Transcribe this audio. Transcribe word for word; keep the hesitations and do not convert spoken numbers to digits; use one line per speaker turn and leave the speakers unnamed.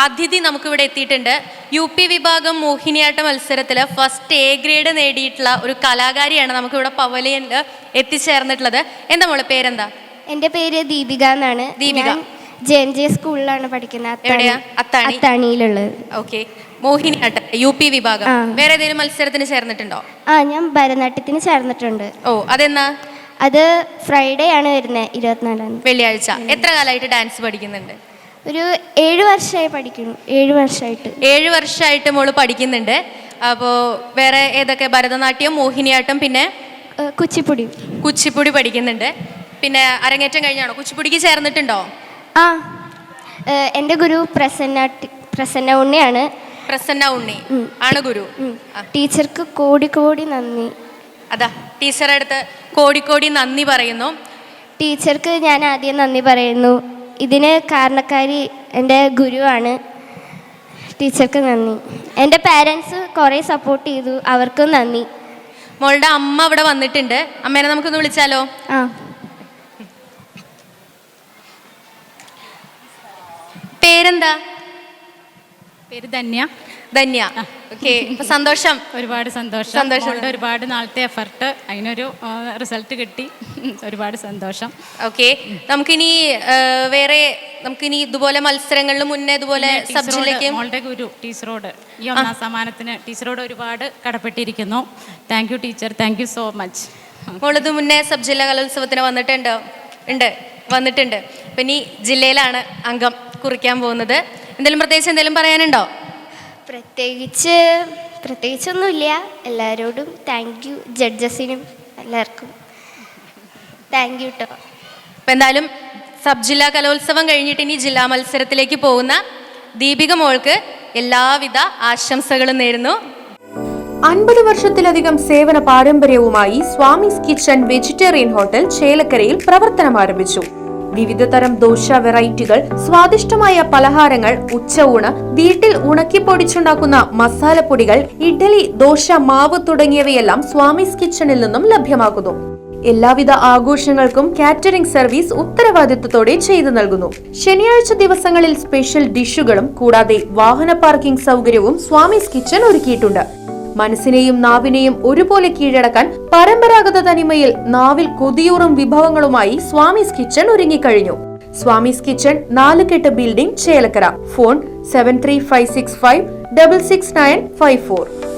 അതിഥി നമുക്കിവിടെ എത്തിയിട്ടുണ്ട്. യു പി വിഭാഗം മോഹിനിയാട്ട മത്സരത്തിൽ ഫസ്റ്റ് എ ഗ്രേഡ് നേടിയിട്ടുള്ള ഒരു കലാകാരിയാണ് നമുക്കിവിടെ പവലിയനിൽ എത്തിച്ചേർന്നിട്ടുള്ളത്. എന്താ മോളെ പേരെന്താ?
എൻ്റെ പേര് ദീപിക എന്നാണ്.
ദീപിക
ജെ എൻ ജെ സ്കൂളിലാണ് പഠിക്കുന്നത്.
എവിടെയാ? അത്താണി.
അത്താണിയിലുള്ളത്.
ഓക്കെ. മോഹിനിയാട്ടം യു പി വിഭാഗം. വേറെ ഏതെങ്കിലും മത്സരത്തിന് ചേർന്നിട്ടുണ്ടോ?
ആ, ഞാൻ ഭരതനാട്യത്തിന് ചേർന്നിട്ടുണ്ട്.
ഓ, അതെന്നാ?
അത് ഫ്രൈഡേ ആണ് വരുന്നത്, ഇരുപത്തിനാലാം തീയതി,
വെള്ളിയാഴ്ച. എത്ര കാലമായിട്ട് ഡാൻസ് പഠിക്കുന്നുണ്ട്?
ഒരു ഏഴ് വർഷമായി പഠിക്കുന്നു. ഏഴ് വർഷമായിട്ട്
ഏഴ് വർഷമായിട്ട് മോള് പഠിക്കുന്നുണ്ട്. അപ്പോൾ വേറെ ഏതൊക്കെ? ഭരതനാട്യം, മോഹിനിയാട്ടം, പിന്നെ
കുച്ചിപ്പുടി.
കുച്ചിപ്പുടി പഠിക്കുന്നുണ്ട്. പിന്നെ അരങ്ങേറ്റം കഴിഞ്ഞാണോ? കുച്ചിപ്പുടിക്ക് ചേർന്നിട്ടുണ്ടോ?
ആ, എൻ്റെ ഗുരു പ്രസന്ന പ്രസന്ന ഉണ്ണിയാണ്.
പ്രസന്ന ഉണ്ണി ആണ് ഗുരു.
ടീച്ചർക്ക് കോടി കോടി നന്ദി.
അതാ, ടീച്ചറുടെ അടുത്ത് കോടിക്കോടി നന്ദി പറയുന്നു.
ടീച്ചർക്ക് ഞാൻ ആദ്യം നന്ദി പറയുന്നു. ഇതിന് കാരണക്കാരി എൻ്റെ ഗുരുവാണ്. ടീച്ചർക്ക് നന്ദി. എൻ്റെ പാരൻസ് കുറേ സപ്പോർട്ട് ചെയ്തു, അവർക്കും നന്ദി.
മോളുടെ അമ്മ ഇവിടെ വന്നിട്ടുണ്ട്. അമ്മേനെ നമുക്കൊന്ന് വിളിച്ചാലോ?
ആ.
പേരെന്താ?
പേര് ധന്യ.
ധന്യ. ഓക്കെ. സന്തോഷം.
ഒരുപാട് സന്തോഷം. സന്തോഷം. ഒരുപാട് നാളത്തെ എഫർട്ട്, അതിനൊരു റിസൾട്ട് കിട്ടി. ഒരുപാട് സന്തോഷം.
ഓക്കെ. നമുക്കിനി വേറെ നമുക്കിനി ഇതുപോലെ മത്സരങ്ങളിൽ മുന്നേ ഇതുപോലെ സബ് ജില്ലയ്ക്ക്
മോളുടെ ഗുരു ടീച്ചറോട് ഈ ഒന്നാം സമ്മാനത്തിന് ടീച്ചറോട് ഒരുപാട് കടപ്പെട്ടിരിക്കുന്നു. Thank you teacher, thank you so much.
മോളിത് മുന്നേ സബ് ജില്ലാ കലോത്സവത്തിന് വന്നിട്ടുണ്ടോ? ഉണ്ട്, വന്നിട്ടുണ്ട്. അപ്പം ഇനി ജില്ലയിലാണ് അംഗം കുറിക്കാൻ പോകുന്നത്. എന്തെങ്കിലും പ്രത്യേകിച്ച് എന്തെങ്കിലും പറയാനുണ്ടോ?
പ്രത്യേകിച്ച് പ്രത്യേകിച്ചൊന്നുമില്ല. എല്ലാവരോടും താങ്ക് യു, ജഡ്ജസിനും എല്ലാവർക്കും താങ്ക് യു കേട്ടോ.
അപ്പം എന്തായാലും സബ് ജില്ലാ കലോത്സവം കഴിഞ്ഞിട്ട് ഇനി ജില്ലാ മത്സരത്തിലേക്ക് പോകുന്ന ദീപിക മോൾക്ക് എല്ലാവിധ ആശംസകളും നേരുന്നു.
അൻപത് വർഷത്തിലധികം സേവന പാരമ്പര്യവുമായി സ്വാമീസ് കിച്ചൺ വെജിറ്റേറിയൻ ഹോട്ടൽ ചേലക്കരയിൽ പ്രവർത്തനം ആരംഭിച്ചു. വിവിധ തരം ദോശ വെറൈറ്റികൾ, സ്വാദിഷ്ടമായ പലഹാരങ്ങൾ, ഉച്ചയൂണ്, വീട്ടിൽ ഉണക്കിപ്പൊടിച്ചുണ്ടാക്കുന്ന മസാലപ്പൊടികൾ, ഇഡ്ഡലി, ദോശ മാവ് തുടങ്ങിയവയെല്ലാം സ്വാമീസ് കിച്ചണിൽ നിന്നും ലഭ്യമാകുന്നു. എല്ലാവിധ ആഘോഷങ്ങൾക്കും കാറ്ററിംഗ് സർവീസ് ഉത്തരവാദിത്വത്തോടെ ചെയ്തു നൽകുന്നു. ശനിയാഴ്ച ദിവസങ്ങളിൽ സ്പെഷ്യൽ ഡിഷുകളും കൂടാതെ വാഹന പാർക്കിംഗ് സൗകര്യവും സ്വാമീസ് കിച്ചൺ ഒരുക്കിയിട്ടുണ്ട്. മനസ്സിനെയും നാവിനെയും ഒരുപോലെ കീഴടക്കാൻ പരമ്പരാഗത തനിമയിൽ നാവിൽ കൊതിയൂറും വിഭവങ്ങളുമായി സ്വാമീസ് കിച്ചൺ ഒരുങ്ങിക്കഴിഞ്ഞു. Swamy's kitchen Nalukettu building, Chelakkara. Phone seven three five six five double six nine five four.